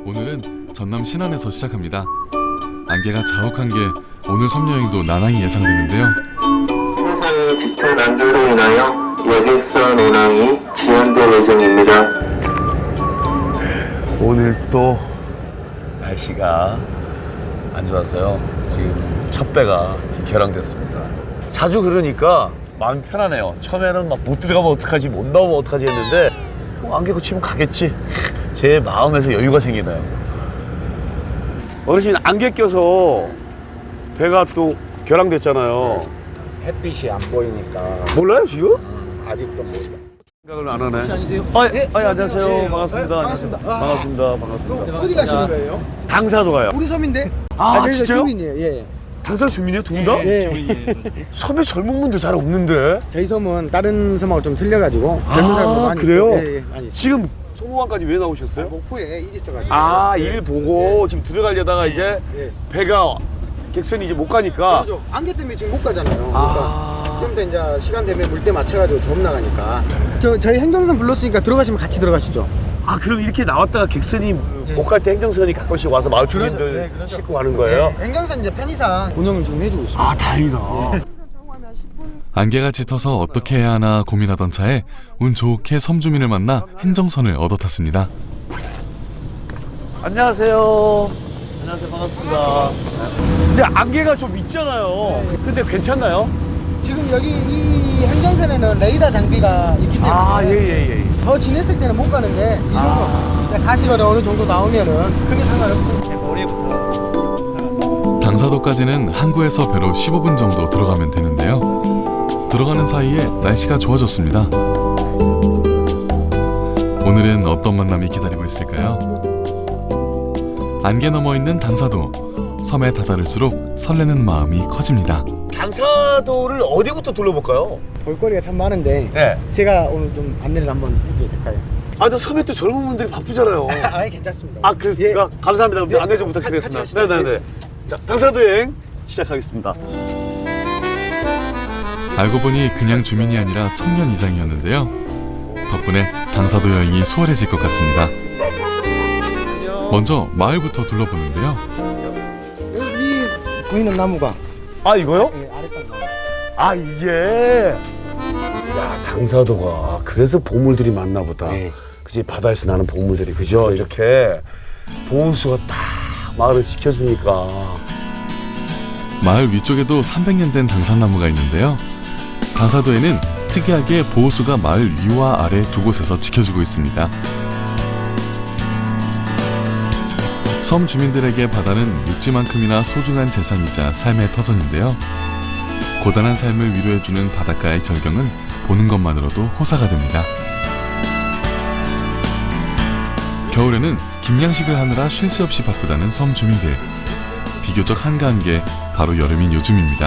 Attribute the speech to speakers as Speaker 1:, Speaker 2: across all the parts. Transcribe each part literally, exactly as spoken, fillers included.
Speaker 1: 오늘은 전남 신안에서 시작합니다. 안개가 자욱한 게 오늘 섬여행도 나날이 예상되는데요.
Speaker 2: 해상의 짙은 안개로 인하여 여객선 운항이 지연될 예정입니다.
Speaker 3: 오늘 또 날씨가 안 좋아서요. 지금 첫 배가 지금 결항됐습니다. 자주 그러니까 마음이 편하네요. 처음에는 막 못 들어가면 어떡하지, 못 나오면 어떡하지 했는데 뭐 안개 고치면 가겠지. 제 마음에서 여유가 생기네요. 어르신 안개 껴서 배가 또 결항됐잖아요.
Speaker 4: 햇빛이 안 보이니까
Speaker 3: 몰라요 지금?
Speaker 4: 음, 아직도 몰라.
Speaker 3: 생각을 안 하네.
Speaker 4: 혹시 아니세요?
Speaker 3: 아,
Speaker 4: 네,
Speaker 3: 아, 안녕하세요.
Speaker 4: 네,
Speaker 3: 반갑습니다.
Speaker 4: 네, 반갑습니다.
Speaker 3: 안녕하세요. 반갑습니다. 반갑습니다.
Speaker 4: 어디 가시는 거예요?
Speaker 3: 당사도 가요.
Speaker 4: 우리 섬인데.
Speaker 3: 아,
Speaker 4: 저희가
Speaker 3: 진짜요?
Speaker 4: 주민이에요. 예.
Speaker 3: 당사 주민이에요? 두 분 다?
Speaker 4: 예.
Speaker 3: 섬에 젊은 분들 잘 없는데.
Speaker 4: 저희 섬은 다른 섬하고 좀 틀려가지고 젊은
Speaker 3: 아,
Speaker 4: 사람도 많이
Speaker 3: 그래요?
Speaker 4: 있고, 예, 예, 많이 있어요.
Speaker 3: 지금 송호항까지 왜 나오셨어요?
Speaker 4: 목포에 일 있어가지고.
Speaker 3: 아,
Speaker 4: 예.
Speaker 3: 일 보고 지금 들어가려다가 이제
Speaker 4: 예.
Speaker 3: 배가 객선이 이제 못 가니까.
Speaker 4: 그렇죠. 안개 때문에 지금 못 가잖아요.
Speaker 3: 아.
Speaker 4: 그러니까 좀 더 이제 시간 되면 물때 맞춰가지고 좀 나가니까. 저 저희 행정선 불렀으니까 들어가시면 같이 들어가시죠.
Speaker 3: 아, 그럼 이렇게 나왔다가 객선이 못 갈 때 행정선이 가끔씩 와서 마을 주민들
Speaker 4: 네, 그렇죠.
Speaker 3: 싣고 가는 거예요?
Speaker 4: 네, 행정선 이제 편의상 운영을 지금 해주고 있습니다.
Speaker 3: 아, 다행이다.
Speaker 1: 안개가 짙어서 어떻게 해야 하나 고민하던 차에 운 좋게 섬 주민을 만나 행정선을 얻어 탔습니다.
Speaker 3: 안녕하세요. 안녕하세요. 반갑습니다. 근데 안개가 좀 있잖아요. 근데 괜찮나요?
Speaker 4: 지금 여기 이 행정선에는 레이더 장비가 있기 때문에
Speaker 3: 아, 예, 예, 예.
Speaker 4: 더 지냈을 때는 못 가는데 이 정도
Speaker 3: 아.
Speaker 4: 가시거나 어느 정도 나오면은 크게 상관없습니다.
Speaker 1: 당사도까지는 항구에서 배로 십오 분 정도 들어가면 되는데요. 들어가는 사이에 날씨가 좋아졌습니다. 오늘은 어떤 만남이 기다리고 있을까요? 안개 넘어 있는 당사도, 섬에 다다를수록 설레는 마음이 커집니다.
Speaker 3: 당사도를 어디부터 둘러볼까요?
Speaker 4: 볼거리가 참 많은데
Speaker 3: 네.
Speaker 4: 제가 오늘 좀 안내를 한번 해줘도 될까요?
Speaker 3: 아, 저 섬에 또 젊은 분들이 바쁘잖아요.
Speaker 4: 아예 괜찮습니다.
Speaker 3: 아, 그렇습니까? 감사합니다.
Speaker 4: 네.
Speaker 3: 안내 좀
Speaker 4: 같이
Speaker 3: 부탁드리겠습니다.
Speaker 4: 하시죠.
Speaker 3: 네네네. 자, 당사도 여행 시작하겠습니다.
Speaker 1: 알고 보니 그냥 주민이 아니라 청년 이장이었는데요. 덕분에 당사도 여행이 수월해질 것 같습니다. 먼저 마을부터 둘러보는데요.
Speaker 4: 여기 보이는 나무가
Speaker 3: 아, 이거요?
Speaker 4: 예, 아랫방 나무.
Speaker 3: 아, 이게. 야, 당사도가 그래서 보물들이 많나 보다.
Speaker 4: 네.
Speaker 3: 그지, 바다에서 나는 보물들이, 그죠? 이렇게 보호수가 딱 마을을 지켜주니까.
Speaker 1: 마을 위쪽에도 삼백 년 된 당산나무가 있는데요. 당사도에는 특이하게 보호수가 마을 위와 아래 두 곳에서 지켜주고 있습니다. 섬 주민들에게 바다는 육지만큼이나 소중한 재산이자 삶의 터전인데요. 고단한 삶을 위로해주는 바닷가의 절경은 보는 것만으로도 호사가 됩니다. 겨울에는 김양식을 하느라 쉴 새 없이 바쁘다는 섬 주민들. 비교적 한가한 게 바로 여름인 요즘입니다.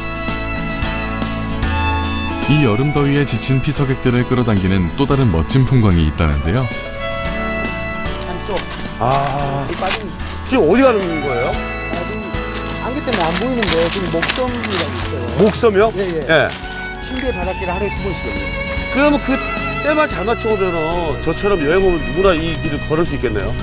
Speaker 1: 이 여름 더위에 지친 피서객들을 끌어당기는 또 다른 멋진 풍광이 있다는데요.
Speaker 4: 한쪽
Speaker 3: 아,
Speaker 4: 이 빠진
Speaker 3: 지금 어디 가는 거예요?
Speaker 4: 빠진 안개 때문에 안 보이는데 지금 목섬이라고 있어요.
Speaker 3: 목섬이요?
Speaker 4: 예, 예.
Speaker 3: 예.
Speaker 4: 신비의 바닷길을 하루에 두 번씩 해요.
Speaker 3: 그러면 그 때만 잘 맞춰오면 저처럼 여행 오면 누구나 이 길을 걸을 수 있겠네요.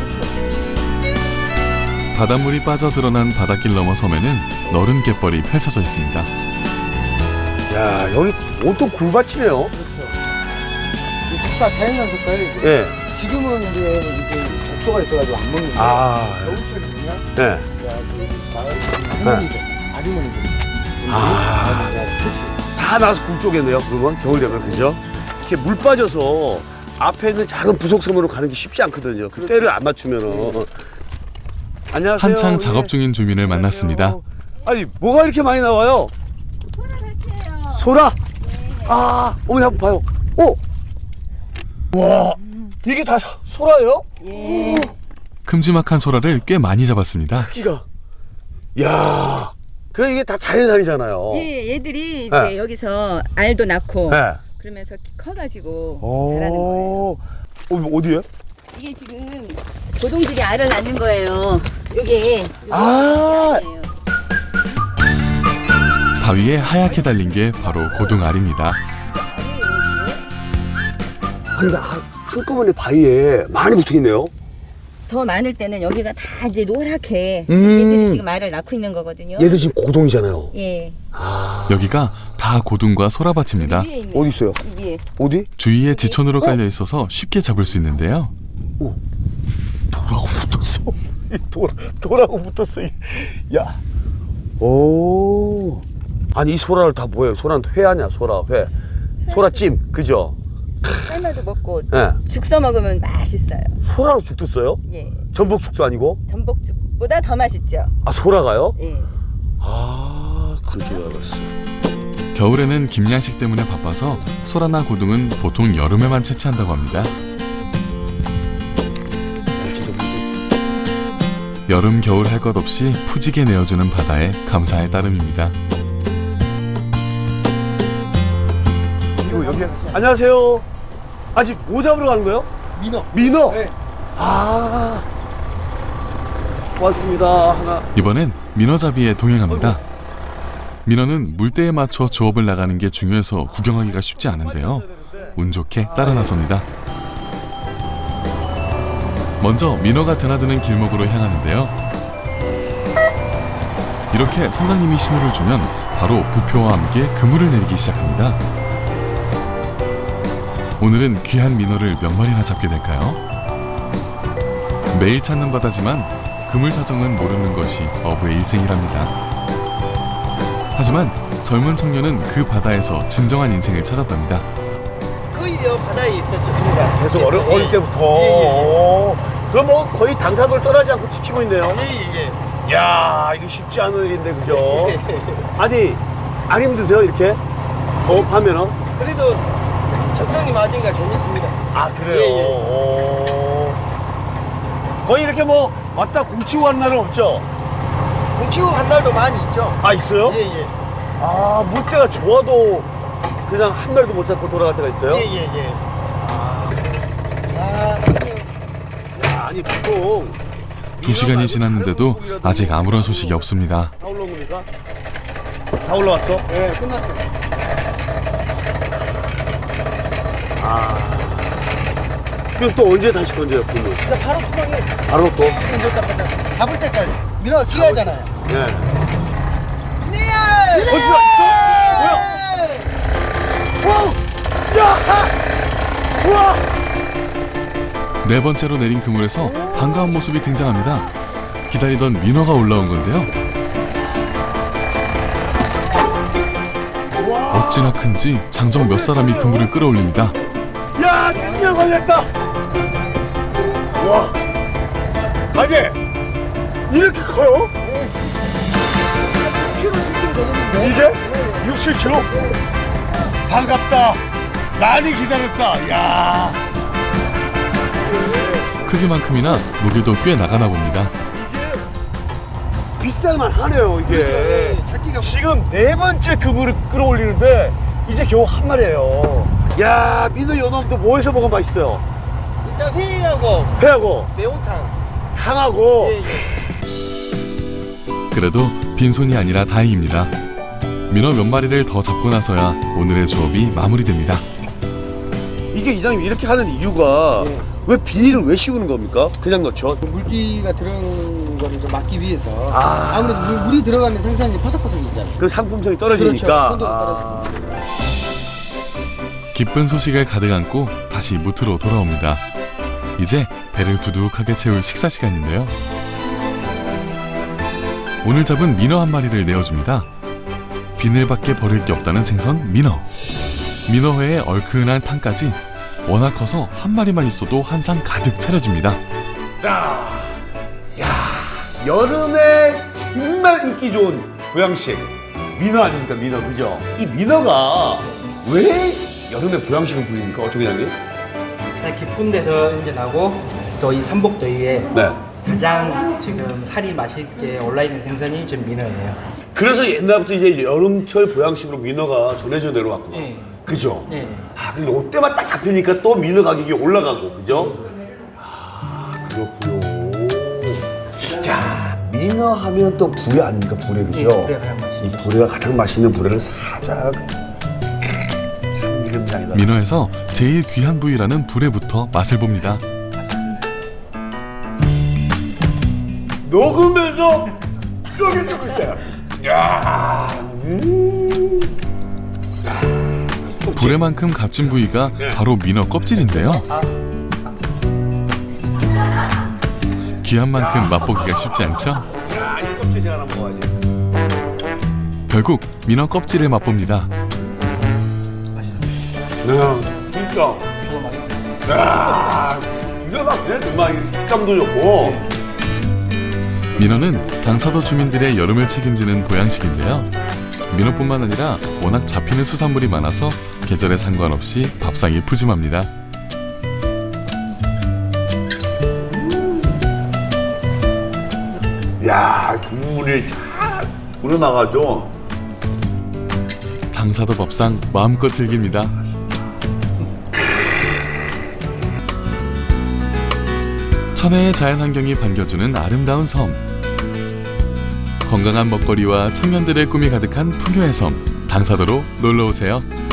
Speaker 1: 바닷물이 빠져 드러난 바닷길 너머 섬에는 너른 갯벌이 펼쳐져 있습니다.
Speaker 3: 야, 여기 온통 굴밭이네요.
Speaker 4: 그렇죠. 이 숲과 자연산 숲을
Speaker 3: 예.
Speaker 4: 지금은 이제 이게 독소가 있어가지고 안 먹는데
Speaker 3: 아,
Speaker 4: 겨울철 되면
Speaker 3: 예.
Speaker 4: 그 마을 할머니들, 아주머니들
Speaker 3: 아. 다 나와서 굴 쪽이네요. 그러면 겨울 되면, 그죠? 이렇게 물 빠져서 앞에 있는 작은 부속섬으로 가는 게 쉽지 않거든요. 그 때를 안 맞추면은. 안녕하세요.
Speaker 1: 한창 작업 중인 주민을 만났습니다.
Speaker 3: 아니, 뭐가 이렇게 많이 나와요?
Speaker 5: 소라 배치예요.
Speaker 3: 소라?
Speaker 5: 네.
Speaker 3: 아, 어머니 한번 봐요. 오! 와, 이게 다 소- 소라예요?
Speaker 5: 예.
Speaker 1: 큼지막한 소라를 꽤 많이 잡았습니다.
Speaker 3: 크기가. 야, 그 이게 다 자연산이잖아요.
Speaker 5: 예, 얘들이 이제
Speaker 3: 네.
Speaker 5: 여기서 알도 낳고
Speaker 3: 네.
Speaker 5: 그러면서 커가지고 자라는 거예요.
Speaker 3: 오, 어, 어디에?
Speaker 5: 이게 지금 고동들이 알을 낳는 거예요. 요게
Speaker 3: 아,
Speaker 5: 요게
Speaker 1: 바위에 하얗게 달린 게 바로 고등알입니다.
Speaker 3: 한, 한, 한꺼번에 바위에 많이 붙어 있네요.
Speaker 5: 더 많을 때는 여기가 다 이제 노랗게
Speaker 3: 음.
Speaker 5: 얘들이 지금 알을 낳고 있는 거거든요.
Speaker 3: 얘들 지금 고동이잖아요.
Speaker 5: 예.
Speaker 3: 아,
Speaker 1: 여기가 다 고둥과 소라밭입니다.
Speaker 5: 위에 있는
Speaker 3: 어디 있어요?
Speaker 5: 이 위에.
Speaker 3: 어디?
Speaker 1: 주위에 지천으로 깔려 있어서 쉽게 잡을 수 있는데요.
Speaker 3: 돌하고 붙었어. 돌, 돌하고 붙었어. 야, 오, 아니 이 소라를 다 뭐예요? 소라는 회 아니야? 소라 회, 소라찜, 그죠?
Speaker 5: 삶아도 먹고
Speaker 3: 예,
Speaker 5: 죽 써 먹으면 맛있어요.
Speaker 3: 소라로 죽도 써요?
Speaker 5: 예.
Speaker 3: 전복죽도 아니고?
Speaker 5: 전복죽보다 더 맛있죠.
Speaker 3: 아, 소라가요?
Speaker 5: 예.
Speaker 3: 아, 그럴 줄 알았어.
Speaker 1: 겨울에는 김양식 때문에 바빠서 소라나 고둥은 보통 여름에만 채취한다고 합니다. 여름 겨울 할 것 없이 푸지게 내어주는 바다에 감사의 따름입니다.
Speaker 3: 이거 여기 안녕하세요. 아직 뭐 잡으러 가는 거예요?
Speaker 4: 민어.
Speaker 3: 민어.
Speaker 4: 네.
Speaker 3: 아, 고맙습니다. 하나.
Speaker 1: 이번엔 민어잡이에 동행합니다. 민어는 물때에 맞춰 조업을 나가는 게 중요해서 구경하기가 쉽지 않은데요. 운 좋게 따라 나섭니다. 먼저 민어가 드나드는 길목으로 향하는데요. 이렇게 선장님이 신호를 주면 바로 부표와 함께 그물을 내리기 시작합니다. 오늘은 귀한 민어를 몇 마리나 잡게 될까요? 매일 찾는 바다지만 그물 사정은 모르는 것이 어부의 일생이랍니다. 하지만 젊은 청년은 그 바다에서 진정한 인생을 찾았답니다.
Speaker 4: 거의 여 바다에 있었죠, 순간.
Speaker 3: 계속 어릴,
Speaker 4: 예,
Speaker 3: 어릴 때부터.
Speaker 4: 예, 예.
Speaker 3: 오, 그럼 뭐 거의 당사도를 떠나지 않고 지키고 있네요.
Speaker 4: 예, 예.
Speaker 3: 야, 이거 쉽지 않은 일인데, 그죠? 아니, 안 힘드세요, 이렇게? 어업하면은?
Speaker 4: 그래도 적성이 맞으니까 재밌습니다.
Speaker 3: 아, 그래요?
Speaker 4: 예, 예.
Speaker 3: 오. 거의 이렇게 뭐 왔다 공치고 간 날은 없죠?
Speaker 4: 공치고 간 날도 많이 있죠.
Speaker 3: 아, 있어요?
Speaker 4: 예, 예.
Speaker 3: 아, 물때가 좋아도 그냥 한 마리도 못 잡고 돌아갈 때가 있어요?
Speaker 4: 예, 예, 예.
Speaker 3: 아,
Speaker 4: 아,
Speaker 3: 야, 아니, 보통.
Speaker 1: 두 시간이 지났는데도 아직 아무런 소식이 없습니다.
Speaker 3: 다 올라온 겁니까? 다 올라왔어?
Speaker 4: 예, 끝났어요.
Speaker 3: 아. 그럼 또 언제 다시 던져요, 그물?
Speaker 4: 진짜 바로 투방에
Speaker 3: 바로 또?
Speaker 4: 계속 못 잡았다. 잡을 때까지. 민어가 귀하잖아요.
Speaker 3: 네.
Speaker 4: 미야!
Speaker 3: 어디서 왔어? 뭐야? 와! 야! 우와!
Speaker 1: 네 번째로 내린 그물에서 반가운 모습이 등장합니다. 기다리던 민어가 올라온 건데요. 어찌나 큰지 장정 몇 사람이 그물을 끌어올립니다.
Speaker 3: 야, 드디어 걸렸다! 와! 아니, 이렇게 커요?
Speaker 4: 키로 칠 킬로 되는데.
Speaker 3: 이게? 육, 칠 킬로그램? 반갑다. 많이 기다렸다. 야.
Speaker 1: 크기만큼이나 무게도 꽤 나가나 봅니다.
Speaker 3: 비쌀만 하네요, 이게.
Speaker 4: 예, 잡기가
Speaker 3: 지금 네 번째 그물을 끌어올리는데 이제 겨우 한 마리예요. 야, 민어 요놈도 뭐 해서 먹으면 맛있어요?
Speaker 4: 일단 회하고
Speaker 3: 회하고
Speaker 4: 매운탕.
Speaker 3: 탕하고.
Speaker 4: 예, 예.
Speaker 1: 그래도 빈손이 아니라 다행입니다. 민어 몇 마리를 더 잡고 나서야 오늘의 조업이 마무리됩니다.
Speaker 3: 이게 이장님 이렇게 하는 이유가
Speaker 4: 예.
Speaker 3: 왜 비닐을 왜 씌우는 겁니까? 그냥 넣죠?
Speaker 4: 물기가 들어간 거를 좀 막기 위해서
Speaker 3: 아.
Speaker 4: 아무래도 물, 물이 들어가면 생선이 퍼석퍼석이잖아요.
Speaker 3: 그 상품성이 떨어지니까.
Speaker 4: 그렇죠. 손도
Speaker 3: 아.
Speaker 1: 기쁜 소식을 가득 안고 다시 무트로 돌아옵니다. 이제 배를 두둑하게 채울 식사 시간인데요. 오늘 잡은 민어 한 마리를 내어줍니다. 비늘밖에 버릴 게 없다는 생선 민어. 민어회에 얼큰한 탕까지 워낙 커서 한 마리만 있어도 한 상 가득 차려집니다.
Speaker 3: 자, 야, 여름에 정말 인기 좋은 보양식 민어 아닙니까? 민어, 그죠? 이 민어가 왜 여름에 보양식을 부립니까? 어쩌게 장님?
Speaker 6: 가장 깊은 데서 이제 나고 또 이 삼복더위에
Speaker 3: 네.
Speaker 6: 가장 지금 살이 맛있게 올라있는 생선이 좀 민어예요.
Speaker 3: 그래서 옛날부터 이제 여름철 보양식으로 민어가 전해져 내려왔구나.
Speaker 6: 네.
Speaker 3: 그죠?
Speaker 6: 네.
Speaker 3: 아, 그리고 이때만 딱 잡히니까 또 민어 가격이 올라가고, 그죠? 아, 그렇군요. 자, 민어 하면 또 불에 아닙니까? 불에, 그죠?
Speaker 6: 네, 불에 가장 맛있죠.
Speaker 3: 이 불에가 가장 맛있는 불에를 살짝. 참, 이게 장이다.
Speaker 1: 민어에서 제일 귀한 부위라는 불에부터 맛을 봅니다.
Speaker 3: 녹으면서 쫄깃쫄깃해. 야, 음.
Speaker 1: 불에만큼 값진 부위가 바로 민어 껍질인데요. 귀한 만큼 맛보기가 쉽지 않죠?
Speaker 3: 야, 이 껍질 제가 하나 먹어야지.
Speaker 1: 결국 민어 껍질을 맛봅니다.
Speaker 3: 네, 진짜. 야, 이거 막히네. 정말 식감도 좋고.
Speaker 1: 민어는 당사도 주민들의 여름을 책임지는 보양식인데요. 민어뿐만 아니라 워낙 잡히는 수산물이 많아서 계절에 상관없이 밥상이 푸짐합니다.
Speaker 3: 야, 국물이 쫙 우러나가죠.
Speaker 1: 당사도 밥상 마음껏 즐깁니다. 천혜의 자연환경이 반겨주는 아름다운 섬. 건강한 먹거리와 청년들의 꿈이 가득한 풍요의 섬 당사도로 놀러오세요.